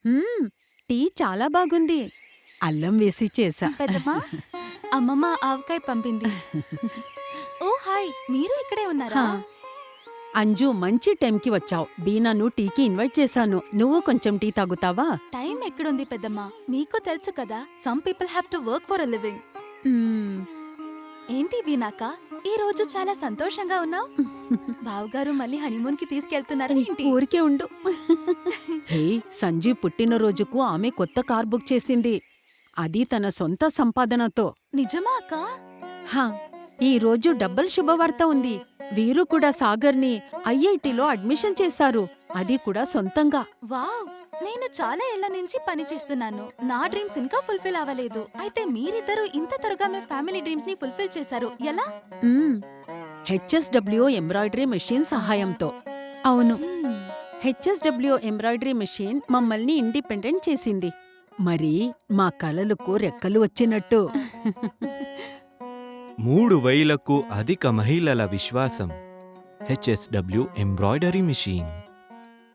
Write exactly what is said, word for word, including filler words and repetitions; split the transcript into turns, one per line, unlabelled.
మ్మ్, tea చాలా బాగుంది. అల్లం వేసి చేసా.
పెద్దమ్మా, అమ్మమ్మ ఆవకాయ పంపింది. ఓ హాయ్, మీరు ఇక్కడే ఉన్నారా?
హా. అంజు, మంచి టైంకి వచ్చావు. బీనాను టీకి ఇన్వైట్ చేశాను. నువ్వు కొంచెం టీ తాగుతావా?
టైం ఎక్కడుంది పెద్దమ్మా? మీకు తెలుసు కదా, some people have to work for a living.
మ్మ్.
ఏంటి వీనాక, ఈ రోజు చాలా సంతోషంగా ఉన్నావు? బావగారు మళ్ళీ హనీమూన్ కి తీసుకెళ్తున్నారు ఏంటి?
ఊరికే ఉండు. హే, సంజీవ్ పుట్టినరోజుకు ఆమె కొత్త కార్ బుక్ చేసింది. అది తన సొంత సంపాదనతో.
నిజమా అక్క?
హా, ఈ రోజు డబ్బల్ శుభవార్త ఉంది. వీరు కూడా సాగర్ని ఐఐటిలో అడ్మిషన్ చేశారు. అది కూడా సొంతంగా.
వావ్, నేను చాలా ఏళ్ల నుంచి పని చేస్తున్నాను. నా డ్రీమ్స్ ఇంకా ఫుల్ఫిల్ అవ్వలేదు. అయితే మీరిద్దరూ ఇంత త్వరగా మీ ఫ్యామిలీ డ్రీమ్స్ ని ఫుల్ఫిల్ చేశారు. ఎలా?
మ్మ్. హెచ్ఎస్డబ్ల్యూ ఎంబ్రాయిడరీ మెషిన్ సహాయంతో. అవును,
మ్మ్.
హెచ్ఎస్డబ్ల్యూ ఎంబ్రాయిడరీ మెషిన్ మమ్మల్ని ఇండిపెండెంట్ చేసింది. మరి మా కలలకు రెక్కలు వచ్చినట్టు.
మూడు వేలకు అధిక మహిళల విశ్వాసం. HSW embroidery machine.